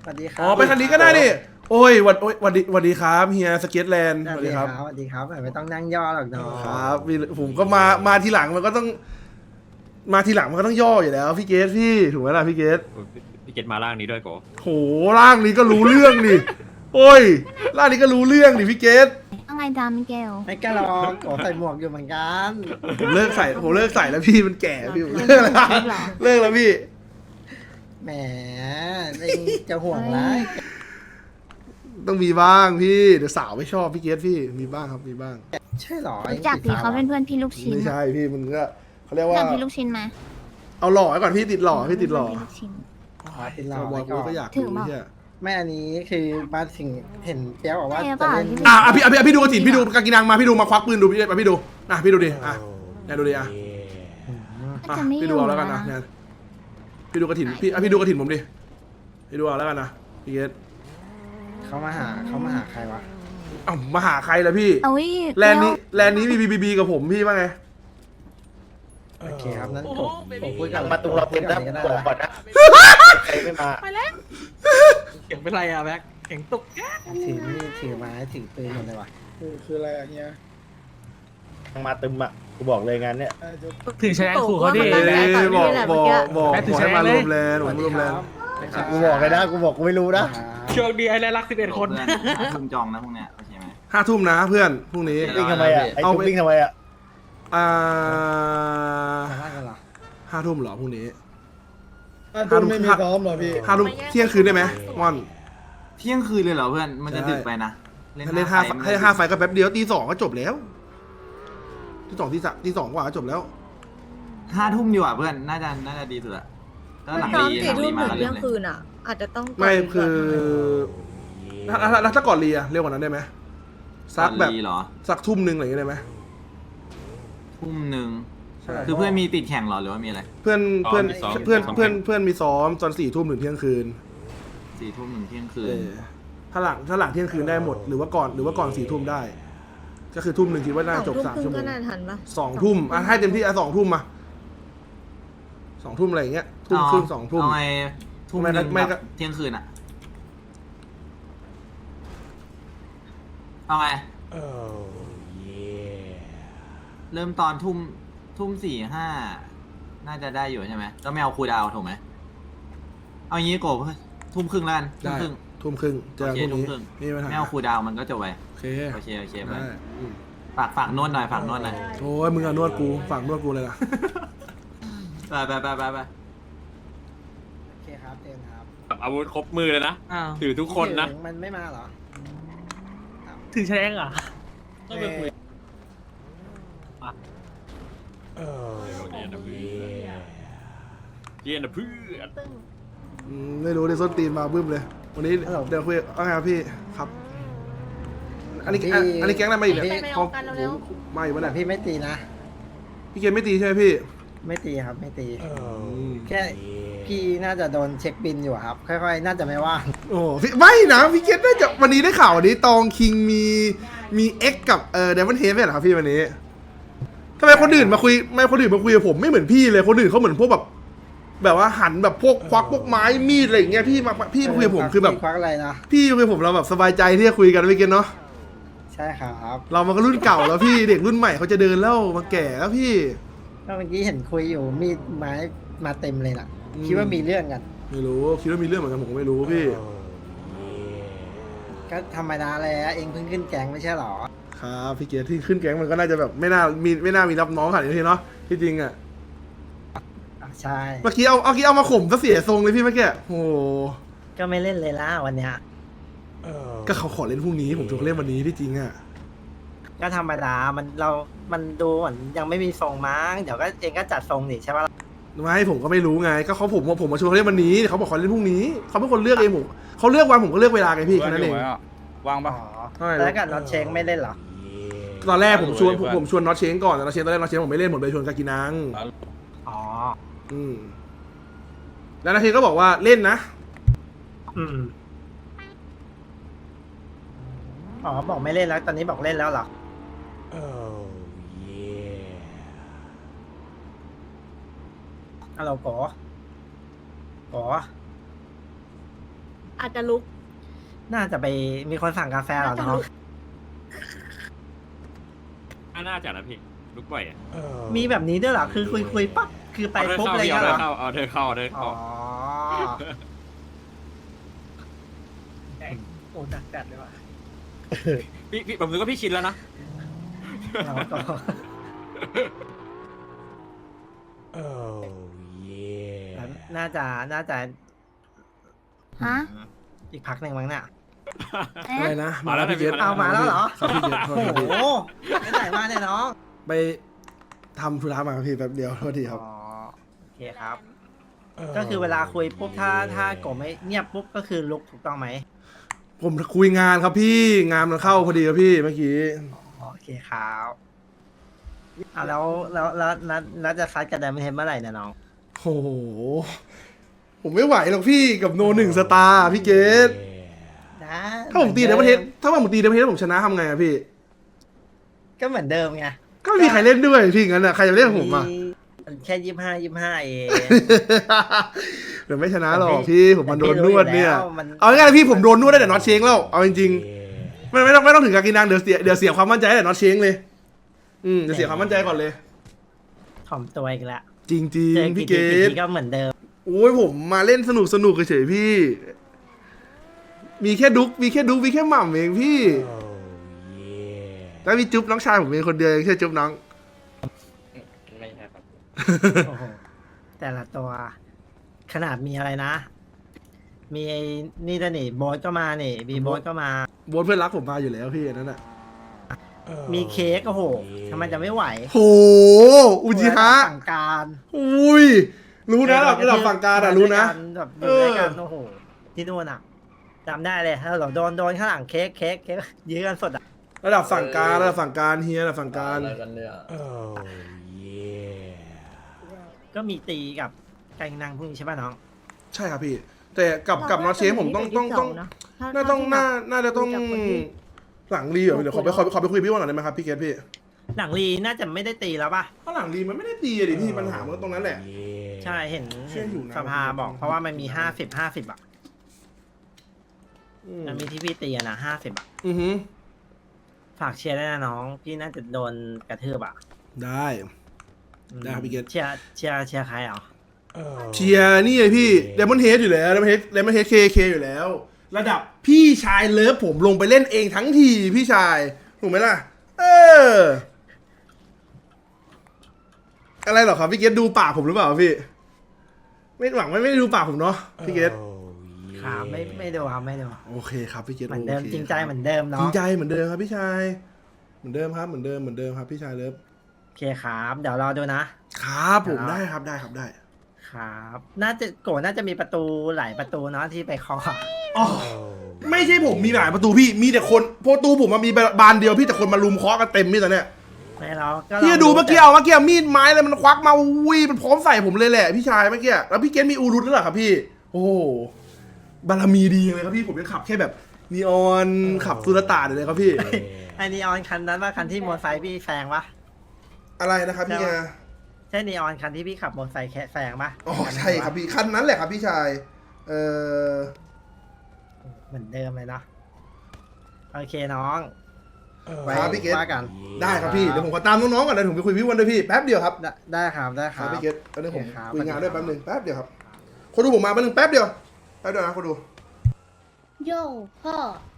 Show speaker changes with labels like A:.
A: สวัสดีครั
B: อ๋อไปคันนี้ก็ได้นี่โอ้ยวันดีครับเฮียสเก็ตแลนด์
A: ส
B: ส
A: วั
B: วั
A: ส
B: ส
A: ดี
B: ดี
A: ค
B: ค
A: รั
B: รั
A: บบ สวัสดีครับไม่ต้องนั่งย่อหรอกเนาะ
B: ครับผมก็มาทีหลังมันก็ต้องมาทีหลังมันก็ต้องย่ออยู่แล้วพี่เกตพี่ถูกไหมล่ะพี่เกต
C: พี่เกตมาล่างนี้ด้วยโก
B: โหร่างนี้ก็รู้เรื่องดิโอ้ยร่างนี้ก็รู้เรื่องดิพี่เกต
D: อะไรดามิเกล
A: ไม่กล้าหรอกโอ้ใส่หมวกอยู่เหมือนกัน
B: ผมเลิกใส่แล้วพี่มันแก่พี่ผมเลิกแล้วเลิกแล้วพี่
A: แหมเองจะห่วงร้าย
B: ต้องมีบ้างพี่เดี๋ยวสาวไม่ชอบพี่เกตพี่มีบ้างครับมีบ้าง
A: ใช่หรอ
D: รู้จักดิเขาเป็นเพื่อนพี่ลูกชิ้น
B: ไม่ใช่พี่มันก็เขาเรียก
D: รู้
B: ว่า
D: จักพี่ลูกชิ้นไหม
B: เอาหล่อไว้ก่อนพี่ติดหล่อพี่ติดหล่อ
D: พี่ลูกชิ้น
A: ขอติดรอ
B: บอก
A: ไว้ก่อน
B: ก็อยาก
D: ถึง
B: ดู
D: บอก
B: เนี่ย
A: แม่อันนี้คือมาถึงเห็นเปียกบอกว่า
D: ใช่
A: จะ
D: เปล่า
A: เล่น
D: ที่
B: พี่ดูกระถิ่นพี่ดูกากินังมาพี่ดูมาควักปืนดูพี่ดูพี่ดูดิเนี่ยดูดิ
D: ก็จะไม่อ
B: พี่ดู
D: ยู่
B: เอาแล้วกันนะ
D: นะ
B: เนี่ยพี่ดูกระถิ่นพี่ดูกระถิ่นผมดิพี่ดูเอาแล้วกันนะพี่เกต
A: เขามาหาใครวะ
B: เอ้ามาหาใครล่ะพี่
D: เอาวิ
B: แลนด์นี้มีบีกับผมพี่ว่าไง
A: โอเคครับนั้นผมคุย
E: ห
A: กั
E: ลั
A: บ
E: งประตูเราเป็น
A: กั
E: นะ
A: นก็ได้
E: บอกก่อน
A: นะ
E: นะใครไม่มา
C: เสียงเป็นไรอะแบ็คเสียงตุก
A: ถือมีดถือไม้ถือปืนหมดเลยวะ
B: คืออะไรอย่างเงี้ย
E: มาตึมอ่ะกูบอกเลยงานเนี้ย
C: ถือแชร์ขู่เขาดิ
B: บอกให้มารวมแลนด์ผมรวมแลนด์
E: กูบอกเลยนะกูบอกกูไม่รู้นะ
C: โชคดีไอ้แรกรัก11 คน
F: ทุ่มจองนะพวกเนี้ยโอเคไหม
B: 5 ทุ่มนะเพื่อนพรุ่งนี้
E: วิ่งทำไมอ่ะไอ้กูวิ่งทำไมอ่ะ
A: มาบ้านกันเหรอ
B: 5 ทุ่มเหรอพรุ่งนี้
G: ตุ้มไม่มีซ้อมเหรอพี่
B: 5 ทุ่มเที่ยงคืนได้ไหมม่อน
F: เที่ยงคืนเลยเหรอเพื่อน มันจะดึกไปนะ
B: ถ้าเล่นห้าไฟก็แป๊บเดียวตี 2ก็จบแล้วตี 2ตี 2กว่าก็จบแล้ว
F: 5 ทุ่มดีกว่าเพื่อน น่าจะดีสุดอะถ้าหลัง
H: ซ้อม
F: รี
H: สี่
F: หลัง
H: ทุ่
F: รี
H: ม
F: มา
H: ถึง
F: ก็เริ่
H: เที่ย
F: ม
H: ง
F: เลย
H: คืนอ่ะ อาจจะต้อง
B: ไม่
H: ก่น
B: คือถ้าก่อนเรียเร็วกว่านั้นได้ไหมสักแบบ
F: รีเหรอ
B: สักทุ่มหนึ่งอะไรอย่างเงี้ยได้ไหม
F: ทุ่มหนึ่ง
B: ใช่
F: คือเพื่อนมีติดแข่งเหรอหรือว่ามีอะไร
B: เพื่อนมีซ้อมตอน4 ทุ่มถึงเที่ยงคืน
F: 4 ทุ่มถึงเที่ยงคืน
B: ถ้าหลังเที่ยงคืนได้หมดหรือว่าก่อน4 ทุ่มได้ ก็คือทุ่มหนึ่งคิดว่าน่าจบ
H: 2
B: 3 ชั่วโม
H: ก็
B: ง
H: น่าทันปะ
B: 2 ทุ่มให้เต็มที่2 ทุ่มมา2 ทุ่มอะไรอย่างเงี้ยทุ่มครึ่ง2 ทุ่ม
F: เอาไงทุ่มหนึ่ง
B: ไม่ก็
F: กับเที่ยงคืนอะเอาไงเริ่มตอนทุ่ม 4-5 น่าจะได้อยู่ใช่ไหมก็ไม่เอาคูลดาวน์ถูกไหมเอางี้โกบทุ่มครึ่งแล้วกันทุ่ม
B: ได้
F: ครึ่ง
B: ทุ่มครึ่งเจอกันพรุ่ง
F: ทุ่ม
B: นี้
F: ครึ่ง
B: นี่ปัญหา
F: ไม่เอาคูลดาวน์มันก็จบไป
B: โอเค
F: โอเคโอเคไป
B: ได้อืม
F: ฝากนวดหน่อยฝากนวดหน่อย
B: โอ้ยมึงอะนวดกูฝากนวดกูเลยล่ะ
F: ไป
A: โอเคครับเจนครับ
C: อาวุธครบมือเลยนะ ถือทุกคนนะ
A: มันไม่มาเหรอ
C: ถือแชร์อ่ะ
A: ต้องไปคุย
C: เย็นนะเพื่อน
B: ไม่รู้ในส้นตีนมาบึ้มเลย วันนี้เดี๋ยวคุยว่าไงครับพี่ครับ อันนี้แก๊งอะไรมาอีกเนี่ยมาอยู่ปะ
A: แต่
B: เนี่ย
A: พี่ไม่ตีนะ
B: พี่เกมไม่ตีใช่ไหมพี่
A: ไม่ตีครับไม่ตี แค่พี่น่าจะโดนเช็คบินอยู่ครับ ค่อยๆ น่าจะไม่ว่าง
B: โอ้พี่ไม่นะพี่เกมน่าจะวันนี้ได้ข่าววันนี้ตองคิงมีเอ็กกับเดมอนเฮฟเหรอครับพี่วันนี้ทำไมคนอื่นมาคุยกับผมไม่เหมือนพี่เลยคนอื่นเขาเหมือนพวกแบบว่าหันแบบพวกควักพวกไม้มีดอะไรอย่างเงี้ยพี่มาคุยกับผมคือแบบ
A: ควักอะไรนะ
B: พี่คุยกับผมเราแบบสบายใจที่จะคุยกันไม่เกินเนาะ
A: ใช่ครับ
B: เรามันก็รุ่นเก่าแล้วพี่เด็กรุ่นใหม่เขาจะเดินแล้วมาแก่แล้วพี่
A: ก็เมื่อกี้เห็นคุยอยู่มีดไม้มาเต็มเลยน่ะ คิดว่ามีเรื่องกัน
B: ไม่รู้คิดว่ามีเรื่องเหมือนกันผมก็ไม่รู้พี่
A: ก็ธรรมดาแหละเองเพิ่งขึ้นแกงไม่ใช่หรอ
B: ครับพี่เกียรติที่ขึ้นแก๊งมันก็น่าจะแบบไม่น่ามีรับน้องขนาดนี้เนาะที่จริงอ่ะ
A: ใช่
B: เมื่อกี้เอามาข่มซะเสียทรงเลยพี่เมื่อกี้โอ้โห
A: ก็ไม่เล่นเลยล่ะวันเนี้ย
B: ก็เขาขอเล่นพรุ่งนี้ผมชวนเขาเล่นวันนี้ที่จริงอ่ะ
A: ก็ธรรมดามันดูเหมือนยังไม่มีทรงมั้งเดี๋ยวก็เองก็จัดทรงดิใช่ปะล่ะ
B: ไม่ผมก็ไม่รู้ไงก็ผมมาชวนเขาเล่นวันนี้เขาบอกเขาเล่นพรุ่งนี้เขาเป็นคนเลือกเองผมเขาเลือกวันผมก็เลือกเวลาไงพี่แค่นั้นเอง
G: วางปะ
A: อ๋อ
B: ใช่
A: แล้วกับน็อตเชงไม่เล่นเหรอ
B: ตอนแรกผมชวนน็อตเชงก่อนแต่น็อตเชงตอนแรกน็อตเชงผมไม่เล่นผมเลยชวนกากินัง
A: อ๋อ
B: แล้วน็อตเชงก็บอกว่าเล่นนะ
A: อ๋อบอกไม่เล่นแล้วตอนนี้บอกเล่นแล้วเหรอฮัลโหลก๋อ
H: อาจจะลุก
A: น่าจะไปมีคนสั่งกาแฟเหรอน้อง
C: น่าจะนะพี่ลุกบ่อยอ่ะ
A: มีแบบนี้ด้วยเหรอคือคุยปั๊บคือไปปุ๊บเลย
C: เอา
A: เหรอ
C: เอาเธอเข้า
A: อ๋อโอ้ดักจัดเลยว่ะ
C: พี่ผมนึกว่าพี่ชินแล้วนะ
A: เราก็ น่าจะ
D: ฮะ
A: อีกพักหนึ่งมั้งเนี่ย
B: อะไรนะ
C: มาแล้ว
B: พี่เกต
A: เอามาแล้วเหรอ
B: ครับพี่เกตโทษ
A: โอ้
B: ที
A: โหไม่ไหนมาเนี่ยน้อง
B: ไปทำธุระมาครับพี่แป๊บเดียวโทษทีครับ
A: อ๋อโอเคครับ ก็คือเวลาคุยปุ๊บถ้าโกไม่เงียบปุ๊บก็คือลุกถูกต้องไหม
B: ผมคุยงานครับพี่งานมันเข้าพอดีครับพี่เมื่อกี้
A: โอเคครับแล้วจะซัดกับไดมอนด์เฮดเมื่อไหร่เนี่ยน้อง
B: โอ้โหผมไม่ไหวหรอกพี่กับโนหนึ่งสตาร์พี่เกตถ้าผมตีเดมเทสผมชนะทำไงอะพี่
A: ก็เหมือนเดิมไง
B: ก็ไม่มีใครเล่นด้วยพี่งั้นอะใครจะเล่นกับผมอะ
A: แค่25เอง
B: เดี๋ยวไม่ชนะหรอกพี่ผมมันโดนนวดเนี่ย
A: แต่พี่รู้อยู่แล้วมัน
B: เอาง่ายๆพี่ผมโดนนวดได้แต่น็อตเชงแล้วเอาจริงๆไม่ต้องถึงการกินนางเดี๋ยวเสียความมั่นใจแต่น็อตเชงเลยจะเสียความมั่นใจก่อนเลย
A: ถ่อมตัวอีกแล้ว
B: จริง
A: เจอ
B: ๆ
A: กี่
B: พี่เก
A: ที
B: ต
A: ก็เหมือนเดิม
B: โอ้ยผมมาเล่นสนุกเฉยๆพี่ มีแค่ดุ๊กมีแค่หม่ำเองพี่แล้วมีจุ๊บน้องชายผมเป็นคนเดียวเองใช่จุ๊บน้อง
C: ไม่ใช่ครับ
A: โอ้โหแต่ละตัว ขนาดมีอะไรนะ มีไอ้นี่ด้วยนี่โบสก็มานี่บีโบสก็มา
B: โบ๊ทเพื่อนรักผมมาอยู่แล้วพี่อันนั้นอ่ะ
A: มีเค้กโอ้โหทำไมจะไม่ไหว
B: โหอุจิฮะ
A: สั่งการ
B: อุ้ยรู้นะระดับฝั่งการอ่ะรู้นะ
A: แบบอยู่ด้วยกันโอ้โหที่นู่นอ่ะจำได้เลยถ้าเราโดนข้างหลังเค้กยื้อกันสดอ่ะ
B: ระดับฝั่งการเฮียระดับฝั่งการ
A: ก็มีตีกับการนางพวกนี้ใช่ป่ะน้อง
B: ใช่ครับพี่ แต่กับน็อตเชฟผมต้องน่าจะต้องหลังรีเหรอเดี๋ยวขอไปคุยกับพี่วันหน่อยได้ไหมครับพี่เกตพี่
A: หลังลีน่าจะไม่ได้ตีแล้วป่ะ
B: เพราะหลังรีมันไม่ได้ตีอะดิพี่ปัญหามันก็ตรงนั้นแหละ
A: ใช่เห็น
B: เชื่ออยู่นะ
A: สภาบอกเพราะว่ามันมี50อ่ะมันมีที่พี่ตีอะนะ50อ่ะ
B: อือหือ
A: ฝากเชียร์ด้วยนะน้อง พี่น่าจะโดนกระทืบอ่ะ
B: ได้ครับพี่เกต
A: เชียร์ใครอ่ะ
B: เชียร์นี่เลยพี่เดมอนเฮดอยู่แล้วเดมอนเฮดเคอยู่แล้ว ระดับพี่ชายเลิฟผมลงไปเล่นเองทั้งทีพี่ชายถูกไหมล่ะ อะไรหรอครับพี่เกตดูปากผมหรือเปล่าพี่ ไม่หวังไม่ได้ดูปากผมเนาะพี่เกต
A: ครับไม่ดูครับไม่ดู
B: โอเคครับพี่เกต
A: เหมือนเดิม
B: โค
A: จริงใจเหมือนเดิม
B: จริ
A: เนาะ
B: งใจเหมือนเดิมครับพี่ชายเหมือนเดิมครับพี่ชายเลิฟ
A: โอเคครับเดี๋ยวรอดูนะครับ
B: ผมได้ครับได้
A: ครับน่าจะมีประตูหลายประตูเนาะที่ไปเคาะ
B: อ๋อไม่ใช่ผมมีหลายประตูพี่มีแต่คนประตูผมมันมีบานเดียวพี่แต่คนมาลุมเคาะกันเต็มพี่ตอนเนี้ย
A: ไม่เราก็
B: พี่ดูเมื่อกี้มีดไม้อะไรมันควักมาอุ้ยมันพร้อมใส่ผมเลยแหละพี่ชายเมื่อกี้แล้วพี่เกตมีอูรุตแล้วเหรอครับพี่โอ้โหบารมีดีเลยครับพี่ผมยังขับแค่แบบนีออนขับสุลต่านเลยครับพี่
A: ไอ้นีออนคันนั้นว่าคันที่มอเตอร์ไซค์พี่แซงปะ
B: อะไรนะครับพี่
A: ใช่นีออนคันที่พี่ขับมอเตอร์ไซค์แซงปะ
B: อ๋อใช่ครับพี่คันนั้นแหละครับพี่ชาย
A: เหมือนเดิมเลยเนาะโอเคน้องไว้
B: ครับพี่เกต
A: ว่ากัน
B: ได้ครับพี่เดี๋ยวผมขอตามน้องๆก่อนนะผมไปคุยพี่วันด้วยพี่แป๊บเดียวครับ
A: ได้ครับได้ค
B: ค
A: รั
B: รั
A: บบ
B: พี่เกตตอนนี้ผม
A: โอเคครับ
B: คุยงานด้วยแป๊บหนึงแป๊บเดียวครับคนดูผมมาแป๊บนึงแป๊บเดียวนะคนดู
H: โย่พ่อ